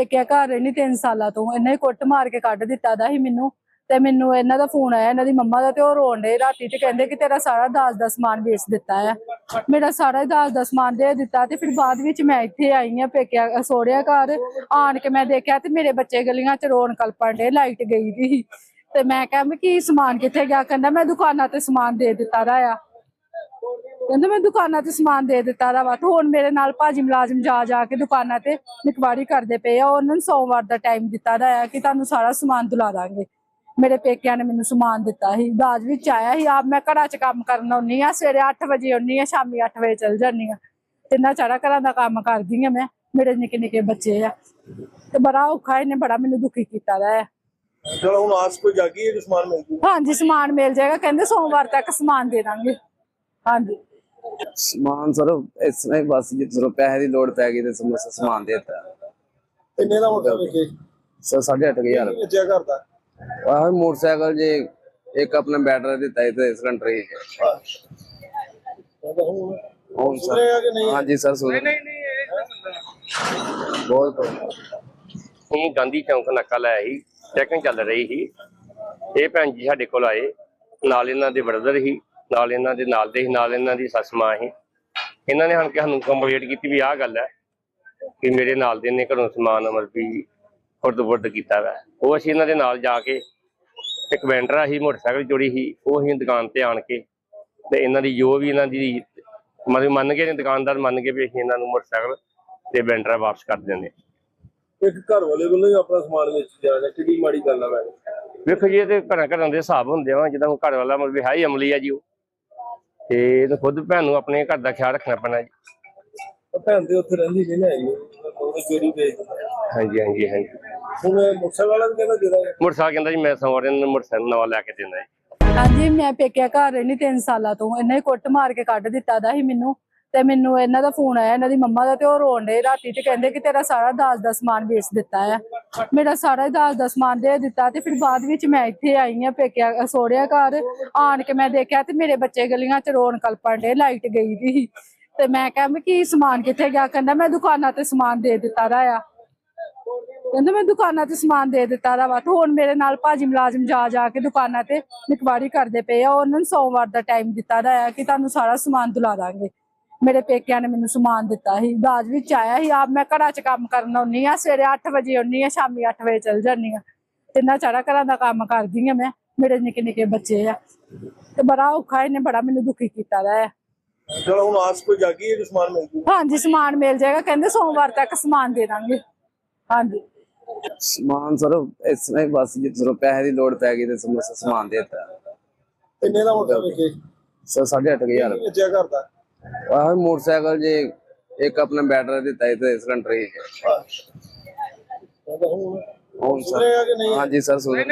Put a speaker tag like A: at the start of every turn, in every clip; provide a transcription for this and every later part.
A: ਪੇਕਿਆ ਘਰ ਰਹਿਣੀ 3 ਸਾਲਾਂ ਤੋਂ। ਇਹਨੇ ਕੁੱਟ ਮਾਰ ਕੇ ਕੱਢ ਦਿੱਤਾ ਦਾ ਸੀ ਮੈਨੂੰ, ਤੇ ਮੈਨੂੰ ਇਹਨਾਂ ਦਾ ਫੋਨ ਆਇਆ, ਇਹਨਾਂ ਦੀ ਮੰਮਾ ਦਾ, ਤੇ ਉਹ ਰੋਣ ਡੇ ਰਾਤੀ ਤੇ ਕਹਿੰਦੇ ਕਿ ਤੇਰਾ ਸਾਰਾ ਦਾਜ ਦਾ ਸਮਾਨ ਵੇਚ ਦਿੱਤਾ ਆ। ਮੇਰਾ ਸਾਰਾ ਦਾਜ ਦਾ ਸਮਾਨ ਦੇ ਦਿੱਤਾ। ਤੇ ਫਿਰ ਬਾਅਦ ਵਿੱਚ ਮੈਂ ਇੱਥੇ ਆਈ ਆ ਪੇਕਿਆ ਸੋਹਰਿਆ ਘਰ। ਆਣ ਕੇ ਮੈਂ ਦੇਖਿਆ ਤੇ ਮੇਰੇ ਬੱਚੇ ਗਲੀਆਂ ਚ ਰੋਣ ਕਲਪਣ ਡੇ, ਲਾਈਟ ਗਈ ਦੀ। ਤੇ ਮੈਂ ਕਿਹਾ ਮੈਂ ਕੀ ਸਮਾਨ ਕਿੱਥੇ ਗਿਆ? ਕਹਿੰਦਾ ਮੈਂ ਦੁਕਾਨਾਂ ਤੇ ਸਮਾਨ ਦੇ ਦਿੱਤਾ ਦਾ ਆ। ਕਹਿੰਦਾ ਮੈਂ ਦੁਕਾਨਾਂ ਤੇ ਸਮਾਨ ਦੇ ਦਿੱਤਾ ਦਾ ਵਾ। ਤੇ ਹੁਣ ਮੇਰੇ ਨਾਲ ਭਾਜੀ ਮੁਲਾਜ਼ਮ ਜਾ ਕੇ ਦੁਕਾਨਾਂ ਤੇ ਨਿਕਵਾਰੀ ਕਰਦੇ ਪਏ ਆ। ਉਹਨਾਂ ਨੂੰ ਸੋਮਵਾਰ ਦਾ ਟਾਈਮ ਦਿੱਤਾ ਦਾ ਆ ਕਿ ਤੁਹਾਨੂੰ ਸਾਰਾ ਸਮਾਨ ਦਿਲਾ ਦਾਂਗੇ। ਮੇਰੇ ਪੇਕਿਆਂ ਨੇ ਮੈਨੂੰ ਸਮਾਨ ਦਿੱਤਾ ਸੀ, ਦਾਜ ਵਿੱਚ ਆਇਆ ਸੀ। ਆਪ ਮੈਂ ਘਰਾਂ 'ਚ ਕੰਮ ਕਰਨ ਆਉਂਦੀ ਆ, ਸਵੇਰੇ 8 ਵਜੇ ਆਉਂਦੀ ਆ, ਸ਼ਾਮੀ 8 ਵਜੇ ਚਲ ਜਾਂਦੀ ਆ। ਤਿੰਨਾਂ ਚਾਰਾਂ ਘਰਾਂ ਦਾ ਕੰਮ ਕਰਦੀ ਆ ਮੈਂ। ਮੇਰੇ ਨਿੱਕੇ ਨਿੱਕੇ ਬੱਚੇ ਆ ਤੇ ਬੜਾ ਔਖਾ, ਇਹਨੇ ਬੜਾ ਮੈਨੂੰ ਦੁਖੀ ਕੀਤਾ ਦਾ ਹੈ।
B: ਚਲੋ ਹੁਣ ਆਸ ਕੋਈ ਜਾਗੀ ਹੈ ਕਿ ਸਮਾਨ ਮਿਲ ਜੂ?
A: ਹਾਂਜੀ ਸਮਾਨ ਮਿਲ ਜਾਏਗਾ, ਕਹਿੰਦੇ ਸੋਮਵਾਰ ਤੱਕ ਸਮਾਨ ਦੇ ਦਾਂਗੇ। ਹਾਂਜੀ
C: ਸਮਾਨ ਸਰ ਇਸ ਤਰ੍ਹਾਂ ਹੀ ਬਸ ਜਦੋਂ ਪੈਸੇ ਦੀ ਲੋੜ ਪੈ ਗਈ ਤੇ ਸਮਾਨ ਦੇ ਦਿੱਤਾ।
B: ਕਿੰਨੇ ਦਾ ਮੋਟਰ ਵੇਖੇ
C: ਸਰ 8,500
B: ਵੇਚਿਆ ਕਰਦਾ?
C: ਆਹ ਮੋਟਰਸਾਈਕਲ ਜੇ ਇੱਕ ਆਪਣਾ ਬੈਟਰੀ ਦਿੱਤਾ ਤੇ ਸਿਲੰਡਰ ਹੀ
B: ਹੁਣ ਸੁਣਿਆ ਕਿ ਨਹੀਂ?
C: ਹਾਂਜੀ ਸਰ ਸੁਣ ਬਹੁਤ
D: ਇਹ ਗਾਂਧੀ ਚੌਂਕ ਨੱਕਾ ਲਾਇਆ ਸੀ, ਚੈਕਿੰਗ ਚੱਲ ਰਹੀ ਸੀ। ਇਹ ਭੈਣ ਜੀ ਸਾਡੇ ਕੋਲ ਆਏ, ਨਾਲ ਇਹਨਾਂ ਦੇ ਬ੍ਰਦਰ ਸੀ, ਨਾਲ ਇਹਨਾਂ ਦੇ ਨਾਲ ਦੇ ਸੀ, ਨਾਲ ਇਹਨਾਂ ਦੀ ਸੱਸ ਮਾਂ ਸੀ। ਇਹਨਾਂ ਨੇ ਸਾਨੂੰ ਕੰਪਲੇਂਟ ਕੀਤੀ ਵੀ ਆਹ ਗੱਲ ਹੈ ਕਿ ਮੇਰੇ ਨਾਲ ਦੇ ਨੇ ਘਰੋਂ ਸਮਾਨ ਵੀ ਖੁਰਦ-ਬੁਰਦ ਕੀਤਾ ਵਾ। ਉਹ ਅਸੀਂ ਇਹਨਾਂ ਦੇ ਨਾਲ ਜਾ ਕੇ, ਇੱਕ ਵੈਂਡਰਾ ਸੀ ਮੋਟਰਸਾਈਕਲ ਚੋਰੀ ਸੀ, ਉਹ ਅਸੀਂ ਦੁਕਾਨ ਤੇ ਆਣ ਕੇ ਤੇ ਇਹਨਾਂ ਦੀ ਜੋ ਵੀ ਇਹਨਾਂ ਦੀ ਮਤਲਬ ਮੰਨ ਕੇ ਨੇ, ਦੁਕਾਨਦਾਰ ਮੰਨ ਕੇ ਵੀ ਅਸੀਂ ਇਹਨਾਂ ਨੂੰ ਮੋਟਰਸਾਈਕਲ ਤੇ ਵੈਂਡਰਾ ਵਾਪਸ ਕਰ ਦਿੰਦੇ।
B: ਇੱਕ ਘਰ ਵਾਲੇ ਵੱਲੋਂ ਹੀ ਆਪਣਾ ਸਮਾਨ ਵੇਚ ਜਾਣਾ ਕਿੰਨੀ ਮਾੜੀ ਗੱਲ ਆ। ਮੈਂ
D: ਵੇਖੋ ਜੀ, ਇਹ ਤੇ ਘਰਾਂ ਦੇ ਹਿਸਾਬ ਹੁੰਦੇ ਆ। ਜਿੱਦਾਂ ਘਰ ਵਾਲਾ ਮਤਲਬ ਹੈ ਹੀ ਅਮਲੀ ਆ ਜੀ ਉਹ, ਤੇ ਇਹਨੂੰ ਖੁਦ ਭੈਣ ਨੂੰ ਆਪਣੇ ਘਰ ਦਾ ਖਿਆਲ ਰੱਖਣਾ ਪੈਣਾ ਜੀ।
B: ਭੈਣ ਤੇ ਉੱਥੇ ਰਹਿੰਦੀ ਨਹੀਂ ਨਾ ਹੈਗੀ, ਉਹ ਚੋਰੀ ਵੇਚ।
D: ਹਾਂਜੀ ਹਾਂਜੀ ਹਾਂਜੀ।
B: ਹੁਣ ਮੋਟਰਸਾਈਕਲ ਵਾਲਾ ਵੀ ਕਹਿੰਦਾ ਜਿਹੜਾ
D: ਮੋਟਰਸਾਈਕਲ ਕਹਿੰਦਾ ਜੀ ਮੈਂ ਸੋਮਵਾਰ ਨੂੰ ਮੋਟਰਸਾਈਕਲ ਨਵਾਂ ਲੈ ਕੇ ਦੇਣਾ ਜੀ।
A: ਹਾਂਜੀ ਮੈਂ ਪੇਕਿਆ ਘਰ ਰਹਿਣੀ 3 ਸਾਲਾਂ ਤੋਂ। ਇਹਨੇ ਕੁੱਟ ਮਾਰ ਕੇ ਕੱਢ ਦਿੱਤਾ ਦਾ ਸੀ ਮੈਨੂੰ, ਤੇ ਮੈਨੂੰ ਇਹਨਾਂ ਦਾ ਫੋਨ ਆਇਆ, ਇਹਨਾਂ ਦੀ ਮੰਮਾ ਦਾ, ਤੇ ਉਹ ਰੋਣ ਡੇ ਰਾਤੀ ਤੇ ਕਹਿੰਦੇ ਕਿ ਤੇਰਾ ਸਾਰਾ ਦਾਜ ਦਾ ਸਮਾਨ ਵੇਚ ਦਿੱਤਾ ਆ। ਮੇਰਾ ਸਾਰਾ ਦਾਜ ਦਾ ਸਮਾਨ ਦੇ ਦਿੱਤਾ। ਤੇ ਫਿਰ ਬਾਅਦ ਵਿੱਚ ਮੈਂ ਇੱਥੇ ਆਈ ਆ ਪੇਕਿਆ ਸੋਹਰਿਆ ਘਰ। ਆਣ ਕੇ ਮੈਂ ਦੇਖਿਆ ਤੇ ਮੇਰੇ ਬੱਚੇ ਗਲੀਆਂ 'ਚ ਰੋਣ ਕਲਪਣ ਡੇ, ਲਾਈਟ ਗਈ ਦੀ। ਤੇ ਮੈਂ ਕਿਹਾ ਮੈਂ ਕੀ ਸਮਾਨ ਕਿੱਥੇ ਗਿਆ? ਕਹਿੰਦਾ ਮੈਂ ਦੁਕਾਨਾਂ ਤੇ ਸਮਾਨ ਦੇ ਦਿੱਤਾ ਦਾ ਆ। ਕਹਿੰਦਾ ਮੈਂ ਦੁਕਾਨਾਂ ਤੇ ਸਮਾਨ ਦੇ ਦਿੱਤਾ ਦਾ ਵਾ। ਤੇ ਹੁਣ ਮੇਰੇ ਨਾਲ ਭਾਜੀ ਮੁਲਾਜ਼ਮ ਜਾ ਕੇ ਦੁਕਾਨਾਂ ਤੇ ਨਿਕਵਾਰੀ ਕਰਦੇ ਪਏ ਆ। ਉਹਨਾਂ ਨੂੰ ਸੋਮਵਾਰ ਦਾ ਟਾਈਮ ਦਿੱਤਾ ਦਾ ਆ ਕਿ ਤੁਹਾਨੂੰ ਸਾਰਾ ਸਮਾਨ ਦਿਲਾ ਦਾਂਗੇ। ਮੇਰੇ ਪੇਕਿਆਂ ਨੇ ਮੈਨੂੰ ਸਮਾਨ ਦਿੱਤਾ ਸੀ, ਦਾਜ ਵਿੱਚ ਆਇਆ ਸੀ। ਆਪ ਮੈਂ ਘਰਾਂ 'ਚ ਕੰਮ ਕਰਨ ਆਉਂਦੀ ਆ, ਸਵੇਰੇ 8 ਵਜੇ ਆਉਂਦੀ ਆ, ਸ਼ਾਮੀ 8 ਵਜੇ ਚਲ ਜਾਂਦੀ ਆ। ਤਿੰਨਾਂ ਚਾਰਾਂ ਘਰਾਂ ਦਾ ਕੰਮ ਕਰਦੀ ਆ ਮੈਂ। ਮੇਰੇ ਨਿੱਕੇ ਨਿੱਕੇ ਬੱਚੇ ਆ ਤੇ ਬੜਾ ਔਖਾ, ਇਹਨੇ ਬੜਾ ਮੈਨੂੰ ਦੁਖੀ ਕੀਤਾ ਦਾ ਹੈ।
B: ਚਲੋ ਹੁਣ ਆਸ ਕੋਈ ਜਾਗੀ ਹੈ ਕਿ ਸਮਾਨ ਮਿਲ ਜੂ?
A: ਹਾਂਜੀ ਸਮਾਨ ਮਿਲ ਜਾਏਗਾ, ਕਹਿੰਦੇ ਸੋਮਵਾਰ ਤੱਕ ਸਮਾਨ ਦੇ ਦਾਂਗੇ। ਹਾਂਜੀ
C: ਸਮਾਨ ਸਰ ਇਸ ਤਰ੍ਹਾਂ ਹੀ ਬਸ ਜਦੋਂ ਪੈਸੇ ਦੀ ਲੋੜ ਪੈ ਗਈ ਤੇ ਸਮਾਨ ਦੇ ਦਿੱਤਾ।
B: ਕਿੰਨੇ ਦਾ ਮੋਟਰ ਵੇਖੇ?
C: ਸਰ 8,500
B: ਵੇਚਿਆ ਕਰਦਾ?
C: ਆਹ ਮੋਟਰਸਾਈਕਲ ਜੇ ਇੱਕ ਆਪਣਾ ਬੈਟਰੀ ਦਿੱਤਾ ਤੇ ਸਿਲੰਡਰ ਹੀ
B: ਹੁਣ ਸੁਣਿਆ ਕਿ ਨਹੀਂ?
C: ਹਾਂਜੀ ਸਰ ਸੁਣ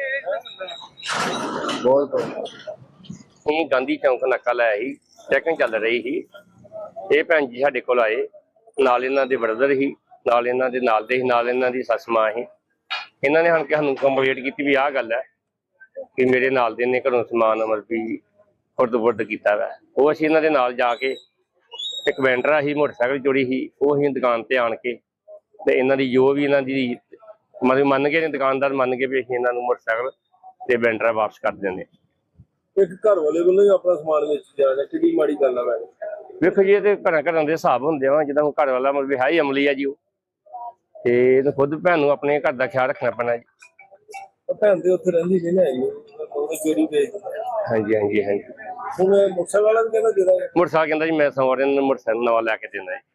C: ਬਹੁਤ
D: ਇਹ ਗਾਂਧੀ ਚੌਂਕ ਨੱਕਾ ਲਾਇਆ ਸੀ, ਚੈਕਿੰਗ ਚੱਲ ਰਹੀ ਸੀ। ਇਹ ਭੈਣ ਜੀ ਸਾਡੇ ਕੋਲ ਆਏ, ਨਾਲ ਇਹਨਾਂ ਦੇ ਬ੍ਰਦਰ ਸੀ, ਨਾਲ ਇਹਨਾਂ ਦੇ ਨਾਲ ਦੇ ਸੀ, ਨਾਲ ਇਹਨਾਂ ਦੀ ਸੱਸ ਮਾਂ ਸੀ। ਇਹਨਾਂ ਨੇ ਸਾਨੂੰ ਕੰਪਲੇਂਟ ਕੀਤੀ ਵੀ ਆਹ ਗੱਲ ਹੈ ਕਿ ਮੇਰੇ ਨਾਲ ਦੇ ਨੇ ਘਰੋਂ ਸਮਾਨ ਵੀ ਖੁਰਦ-ਬੁਰਦ ਕੀਤਾ ਵਾ। ਉਹ ਅਸੀਂ ਇਹਨਾਂ ਦੇ ਨਾਲ ਜਾ ਕੇ, ਇੱਕ ਵੈਂਡਰਾ ਸੀ ਮੋਟਰਸਾਈਕਲ ਚੋਰੀ ਸੀ, ਉਹ ਅਸੀਂ ਦੁਕਾਨ ਤੇ ਆਣ ਕੇ ਤੇ ਇਹਨਾਂ ਦੀ ਜੋ ਵੀ ਇਹਨਾਂ ਦੀ ਮਤਲਬ ਮੰਨ ਕੇ ਨੇ, ਦੁਕਾਨਦਾਰ ਮੰਨ ਕੇ ਵੀ ਅਸੀਂ ਇਹਨਾਂ ਨੂੰ ਮੋਟਰਸਾਈਕਲ ਤੇ ਵੈਂਡਰਾ ਵਾਪਸ ਕਰ ਦਿੰਦੇ।
B: ਇੱਕ ਘਰ ਵਾਲੇ ਵੱਲੋਂ ਹੀ ਆਪਣਾ ਸਮਾਨ ਵੇਚ ਜਾਣਾ ਕਿੰਨੀ ਮਾੜੀ ਗੱਲ ਆ। ਮੈਂ
D: ਵੇਖੋ ਜੀ, ਇਹ ਤੇ ਘਰਾਂ ਦੇ ਹਿਸਾਬ ਹੁੰਦੇ ਆ। ਜਿੱਦਾਂ ਘਰ ਵਾਲਾ ਮਤਲਬ ਹੈ ਹੀ ਅਮਲੀ ਆ ਜੀ ਉਹ, ਤੇ ਇਹਨੂੰ ਖੁਦ ਭੈਣ ਨੂੰ ਆਪਣੇ ਘਰ ਦਾ ਖਿਆਲ ਰੱਖਣਾ ਪੈਣਾ ਜੀ।
B: ਭੈਣ ਤੇ ਉੱਥੇ ਰਹਿੰਦੀ ਨਹੀਂ ਨਾ ਹੈਗੀ, ਉਹ ਚੋਰੀ ਵੇਚ।
D: ਹਾਂਜੀ ਹਾਂਜੀ ਹਾਂਜੀ।
B: ਹੁਣ ਮੋਟਰਸਾਈਕਲ ਵਾਲਾ ਵੀ ਕਹਿੰਦਾ ਜਿਹੜਾ
D: ਮੋਟਰਸਾਈਕਲ ਕਹਿੰਦਾ ਜੀ ਮੈਂ ਸੋਮਵਾਰ ਨੂੰ ਮੋਟਰਸਾਈਕਲ ਨਵਾਂ ਲੈ ਕੇ ਦੇਣਾ ਜੀ।